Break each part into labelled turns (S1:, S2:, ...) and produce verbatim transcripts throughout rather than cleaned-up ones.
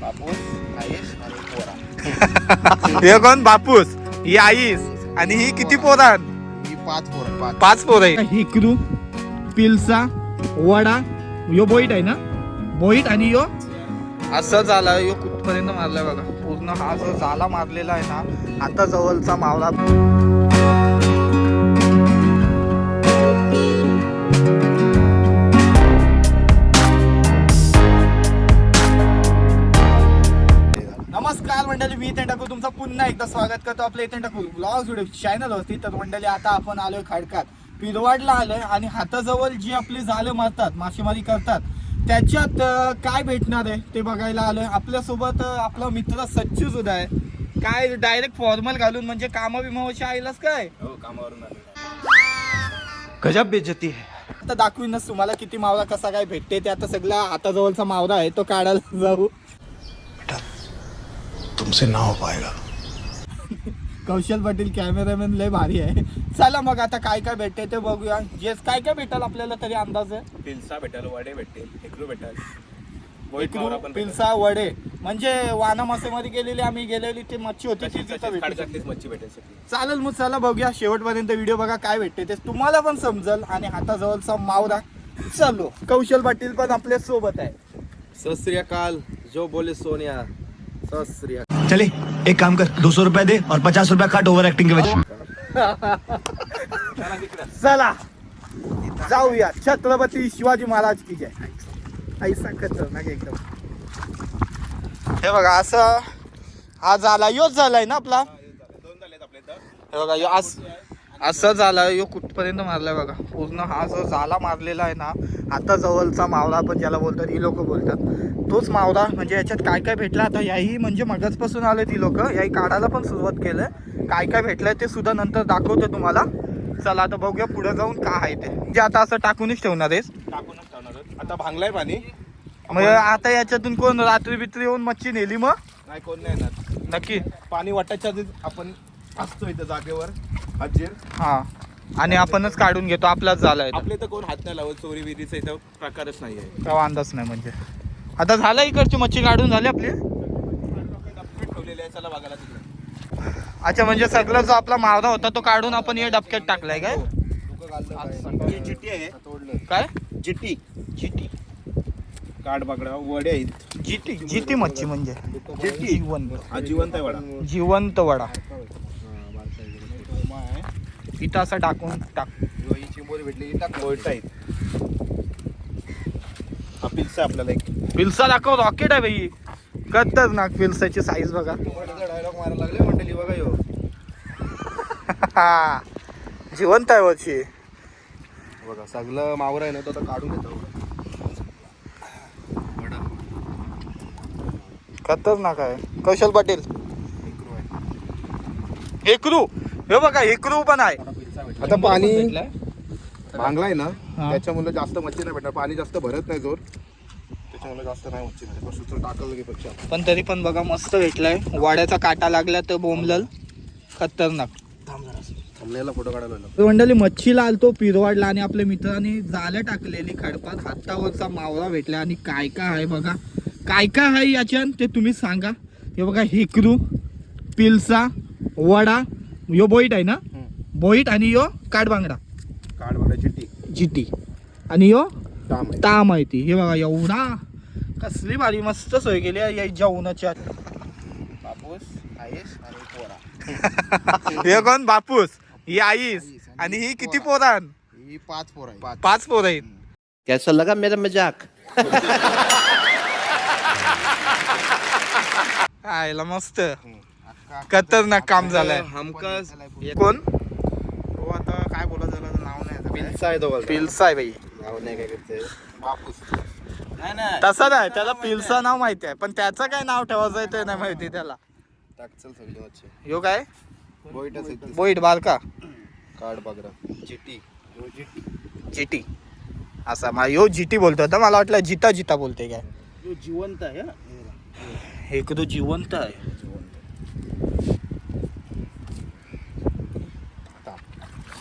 S1: बापूस, आईस आणि पोरा.
S2: हे कोण? बापूस, ही आईस आणि ही किती पोरान?
S1: ही पाच पोरं पाच
S2: पाच पोर आहे. हिकरू, पिलसा, वडा, यो बोईट आहे ना, बोईट आणि यो असं झालं. यो कुठपर्यंत मारलाय बघा, पूर्ण हा जो झाला मारलेला आहे ना, आता जवळचा मावळा. नमस्कार मंडळी, मी इथे टाकू तुमचं पुन्हा एकदा स्वागत करतो आपल्या इथे टाकू ब्लॉग्स व्हिडिओ चॅनल होती. तर मंडळी आता आपण आलोय खडकात, पिरवाडला आलोय आणि हाताजवळ जी आपली जाळं मारतात, मासेमारी करतात, त्याच्यात काय भेटणार आहे ते बघायला आलोय. आपल्यासोबत आपला मित्र सच्चू सुद्धा आहे. काय डायरेक्ट फॉर्मल घालून म्हणजे कामा बिमावशी आईलाच काय?
S1: हो, कामावरून आलो.
S2: गजब बेइज्जती आहे. आता दाखवीनच तुम्हाला किती मावरा कसा काय भेटते ते. आता सगळा हाताजवळचा मावरा आहे तो काढायला जाऊ.
S1: तुमसे ना हो पाएगा.
S2: कौशल पाटील कॅमेरामॅन लय भारी आहे. चला मग आता काय काय भेटते ते बघूया. जे काय काय भेटेल आपल्याला तरी अंदाज आहे.
S1: पिलसा भेटेल, वडे भेटेल, हेकरू भेटेल,
S2: एकरू, पिलसा, वडे म्हणजे वाना मासेमारी केलेली आम्ही गेलेली ती मच्छी होती ती तिथं भेटते.
S1: खडकातलीच मच्छी भेटेल.
S2: चालेल मग चला बघूया शेवटपर्यंत व्हिडिओ बघा काय भेटते ते तुम्हाला पण समजल. आणि हाताजवळचा मावरा चालू. कौशल पाटील पण आपल्या सोबत आहे.
S1: सत श्री अकाल, जो बोले सोनिया. सत श्री अकाल.
S3: चले एक काम कर, दो सौ रुपया दे और पचास रुपया काट ओवर एक्टिंग के वजह.
S2: चला जाऊया. छत्रपती शिवाजी महाराज की जय. ऐसा खतरनाक एकदम. हे बघा असं हा झाला, योच झालाय ना आपला. हे बघा यो आज असं झालं. यो कुठपर्यंत मारलाय बघा, पूर्ण हा जो झाला मारलेला आहे ना, आता जवळचा मावळा पण ज्याला बोलतात, ही लोक बोलतात तोच मावळा. म्हणजे याच्यात काय काय भेटलं आता याही म्हणजे मगचपासून आले ती लोक, याही काढायला पण सुरुवात केलं. काय काय भेटलंय ते सुद्धा नंतर दाखवतो तुम्हाला. चला आता बघूया पुढे जाऊन काय आहे ते. जे आता असं टाकूनच ठेवणार आहेस?
S1: टाकूनच ठेवणार. आता भांगलाय पाणी.
S2: मग आता याच्यातून कोण रात्री बित्री येऊन मच्छी नेली मग?
S1: नाही, कोण नाही येणार.
S2: नक्की
S1: पाणी वाटायच्या आधी आपण असतो इथं जागेवर हजीर.
S2: हा, आणि आपणच काढून घेतो. आपलाच झालाय.
S1: आपले तर कोण हात नाही लावत. चोरी विरीचा इथं प्रकारच नाही आहे.
S2: तेव्हा अंदाज नाही. म्हणजे आता झाला इकडची मच्छी काढून झाली आपली.
S1: ठेवलेले आहे, चला बघायला तिकडे.
S2: अच्छा, म्हणजे सगळं जो आपला मावरा होता तो काढून आपण हे डबक्यात टाकलाय काय?
S1: ही जिटी आहे.
S2: काय
S1: जिटी,
S2: जिटी?
S1: काठ बागडा, वडे आहेत.
S2: जिटी जिटी मच्छी म्हणजे
S1: जिटी.
S2: जिवंत
S1: हा जिवंत आहे वडा.
S2: जिवंत वडा. इथं असं टाकून टाक.
S1: ही चिंबोरी भेटली, टाक. मोठा आहेत. हा पिल्सा आपल्याला एक.
S2: पिल्सा दाखव, रॉकेट आहे भाई. खतरनाक पिल्साची साईज बघा.
S1: डायलॉग मारायला लागले मंडळी बघा. यो
S2: जिवंत आहे वरची.
S1: बघा सगळं मावर आहे ना, तो आता काढून घेतो.
S2: खतरनाक आहे. कौशल पाटील हेकरू, हे बघा हेकरू पण आहे.
S1: आता पाणी भांगलाय ना,
S2: हा.
S1: त्याच्यामुळे जास्त मच्छी नाही भेटणार. पाणी जास्त भरत नाही जोर, त्याच्यामुळे जास्त नाही मच्छी भेटणार. बस टाकलं पेक्षा.
S2: पण तरी पण बघा मस्त भेटलाय. वाड्याचा काटा लागला तर बोंबलल. खतरनाक.
S1: थांबलेला फोटो काढायला.
S2: मंडळी मच्छीला आलतो पिरवाडला आणि आपल्या मित्रांनी जाळं टाकलेली खडपात. हातावरचा मावळा भेटला. आणि काय काय आहे बघा, काय काय आहे याच्यात ते तुम्ही सांगा. हे बघा हेकरू, पिलसा, वडा, यो बोईट आहे ना, बोईट आणि यो काठबांगडा,
S1: काढ बघा. जिटी,
S2: जिटी आणि यो
S1: ताम आहे.
S2: ताम आहे ती. हे बघा एवढा कसली भारी मस्त सोय केली आहे या जेवणाच्या.
S1: बापूस, आईस आणि पोरा.
S2: हे कोण? बापूस, ही आईस आणि ही किती पोरान?
S1: ही पाच पोर आहे. पाच.
S2: पाच पोर आहेत.
S4: कैसा लगा मेरा मजाक?
S2: आयला मस्त खतरनाक काम झालंय.
S1: हमकाच
S2: कोण?
S1: हो, आता काय बोला झालं नाव नाही. पिल्सा आहे तो.
S2: पिल्सा आहे बाई.
S1: नाव नाही काय करते. बापूस नाही नाही
S2: तसं नाही, त्याला पिल्सा नाव माहिती आहे पण त्याचं काय नाव ठेवायचं आहे ते नाही माहिती त्याला.
S1: टाक चल सगळी मच्छी.
S2: यो काय?
S1: बोईटच आहे.
S2: बोईट बारका.
S1: काढ बघा. जिटी, यो जिटी.
S2: जिटी असा मा यो जिटी बोलतो तर मला वाटलं जिता जिता बोलते काय.
S1: यो जिवंत आहे.
S2: हे तो जिवंत आहे.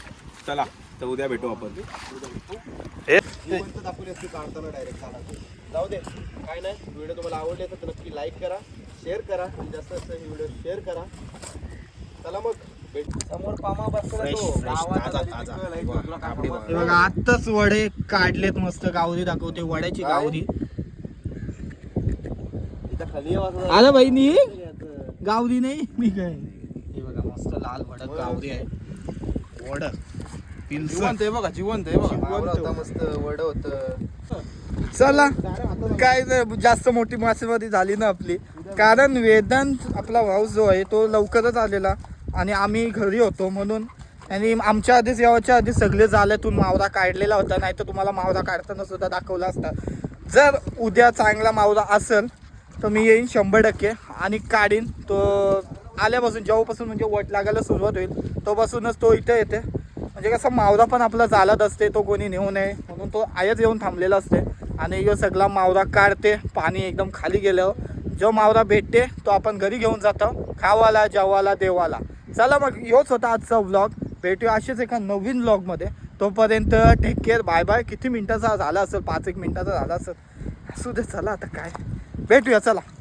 S1: चला तर उद्या भेटू आपण.
S2: हे
S1: जिवंत दाखवली असती काढताना डायरेक्ट.
S2: जाऊ दे काय नाही, व्हिडिओ तुम्हाला आवडले तर नक्की लाईक करा, शेअर करा आणि जास्त जास्त ही व्हिडिओ शेअर करा. चला मग भेट. समोर पामा बसला तो गावात हे बघा आत्ताच वडे काढलेत मस्त. गावरी दाखवते वड्याची गावरी.
S1: खाली
S2: आलं बहिणी गावरी नाही मी काय. हे बघा मस्त लाल वड गावरी आहे. वड
S1: जिवंत आहे बघा, जिवंत आहे बघा. मस्त वड होत.
S2: चला काय नाही, जास्त मोठी मासेमारी झाली ना आपली, कारण वेदांत आपला भाऊ जो आहे तो लवकरच आलेला आणि आम्ही घरी होतो म्हणून. आणि आमच्या आधीच यावाच्या आधी सगळे जाल्यातून मावरा काढलेला होता, नाही तर तुम्हाला मावरा काढताना सुद्धा दाखवला असता. जर उद्या चांगला मावरा असेल तर मी येईन शंभर टक्के आणि काढीन तो. आल्यापासून जेव्हापासून म्हणजे वट लागायला सुरुवात होईल तोपासूनच तो इथे येते. म्हणजे कसं मावरा पण आपला चालत असते, तो कोणी नेऊ नये म्हणून तो आयच येऊन थांबलेला असते. आणि यो सगळा मावरा काढते. पाणी एकदम खाली गेल्यावर जो मावरा भेटते तो आपण घरी घेऊन जातो, खावाला जेवाला देवाला. चला मग योच होता आजचा व्लॉग. भेटूया असेच एका नवीन व्लॉगमध्ये. तोपर्यंत टेक केअर, बाय बाय. किती मिनिटाचा झाला असेल, पाच एक मिनिटाचा झाला असेल, असू दे. चला आता काय भेटूया, चला.